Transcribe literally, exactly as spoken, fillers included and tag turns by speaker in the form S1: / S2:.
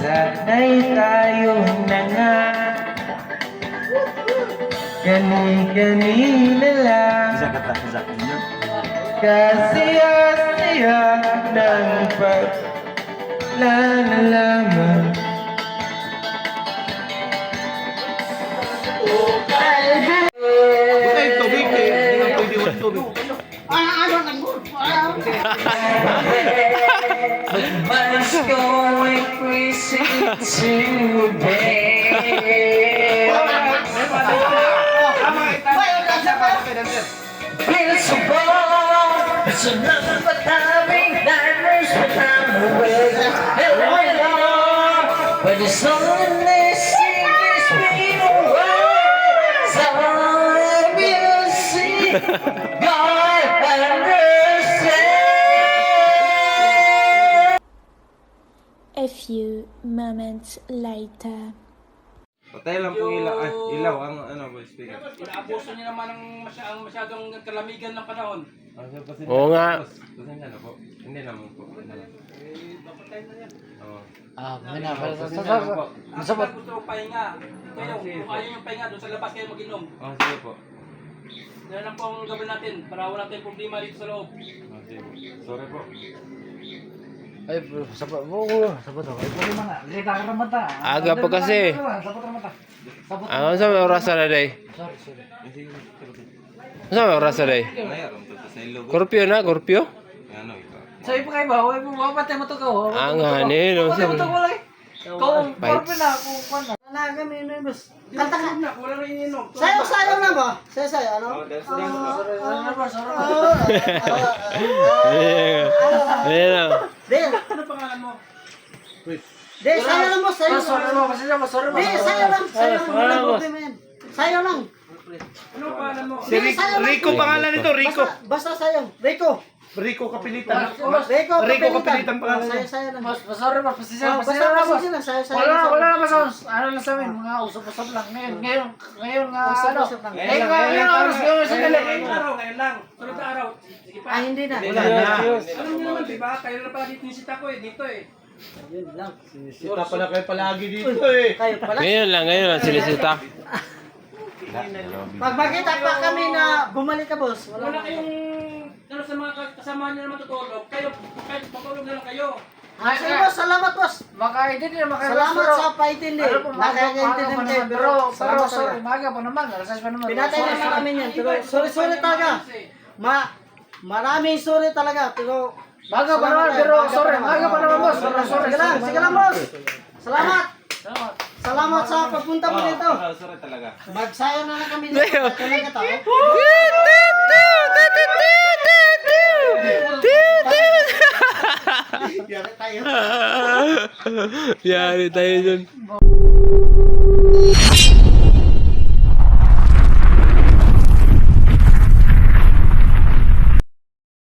S1: Sana'y tayo na nga, Gani-ganina lang, Kasiya-siya ng paglalalaman.
S2: Buta yung tubig eh. Hindi nga pwede yung tubig.
S1: Mas going crazy today. Feels so bold. It's another but having nightmares but I'm awake. Hello, hello. But it's only secrets being away. So let me see God understand.
S3: A few moments later.
S2: Patay lang po ilaw. Ay, ilaw ang ano po speaker.
S4: Inaabuso niya naman ang masyadong, masyadong kalamigan ng panahon.
S5: Oo nga.
S2: Pasensya na po. Hindi naman po. Ano lang.
S4: Eh, papatay na yan.
S2: Oo.
S6: Ah, may na.
S2: Pasensya na po.
S4: Ang sabat gusto ko pahinga. Kayo, kung ayaw yung pahinga, doon sa labas kayo mag-inom.
S2: Oh, sige po.
S4: Yan lang po ang gawin natin para wala tayong problema dito sa loob.
S2: Oh, sige po. Sorry po.
S6: Ay, sabat mo. Sabat ako. Ay, pwede mga. Lita ka naman ta.
S5: Aga pa kasi.
S6: Sabat naman ta. Sabat.
S5: Ano sa may oras na day?
S6: Sorry, sorry.
S5: Ano sa may oras na day?
S2: Mayroon to sa ilog.
S5: Korpyo na, korpyo?
S2: Ano ito?
S6: Sabi pa kayo ba? Huwag mo mapatay mo to ka.
S5: Ang hanin.
S6: Mapatay mo to ko lang. Kung
S5: Bites.
S6: korpo na, kung kwan na.
S7: Na kami na boss.
S4: Kanta ka na, wala rin ininom.
S7: Sayo sayo na ba? Sayo sayo ano?
S2: Oh, that's that's po.
S6: Sorry, sorry, sorry.
S5: Ayan na.
S7: Del,
S4: Ano pangalan mo?
S7: del sayo lang boss, sayo.
S6: Sorry mo, pasensya mo, sorry mo.
S7: Del sayo lang, sayo lang. Wala problema yan. Sayo lang.
S4: Ano pangalan mo?
S7: Del, sayo lang.
S2: Rico pangalan nito, Rico.
S7: Basta, basta sayo. Rico.
S2: Rico Kapilitan.
S7: Rico,
S2: Rico
S7: kapilitan.
S2: Kapilitan pangalan
S7: Sayo
S2: niya.
S7: sayo lang.
S6: Mas, sorry mo, pasensya,
S7: Oh,
S6: pasensya
S7: basta
S6: na mo.
S7: pasensya lang, sayo sayo.
S6: Wala,
S7: lang.
S6: wala na mas ano lang sa amin, mga usap-usap lang. Ngayon, ngayon, ngayon nga, ano.
S7: Usap-usap lang.
S6: Ngayon nga, ngayon ang oras, ngayon sa dali.
S4: Ngayong araw, ngayon lang. Sunod na araw. Sige pa.
S7: Ah, hindi na.
S2: Wala na.
S4: Alam niyo naman, di ba? Kayo na pala dito nisita ko eh, dito eh.
S7: Yun lang.
S2: Sita pala kayo palagi dito eh.
S7: Kayo pala.
S5: Ngayon lang, ngayon lang sinisita.
S7: Pag makita pa kami na bumalik ka boss, wala
S4: Wala
S7: na.
S4: kayong, ano sa mga kasama niyo naman tutulog, kayo, kahit matulog na lang kayo.
S7: Ah, sige boss, salamat boss.
S6: Makaintindi na makaintindi.
S7: Salamat sa paintindi.
S6: Ano po, maga, maga
S7: Nakakaintindi
S6: pa
S7: kayo.
S6: naman. Pero, pero,
S7: salamat
S6: sorry,
S7: talaga.
S6: maga pa naman. Alas pa naman.
S7: Pinatay
S6: Sorry,
S7: naman
S6: sorry.
S7: kami yan. Pero sorry, sorry talaga. Ma, maraming sorry talaga. Pero,
S6: Maga pa naman,
S7: salamat
S6: pero
S7: tayo.
S6: sorry. Maga pa naman, boss. Sorry, sorry.
S7: Sige lang, sige lang boss. Salamat.
S6: Salamat.
S7: Salamat sa pagpunta mo dito.
S2: Oh, sorry talaga.
S7: Magsayo na lang kami dito. Talaga tao. Yari tayo.
S5: Yari tayo dun.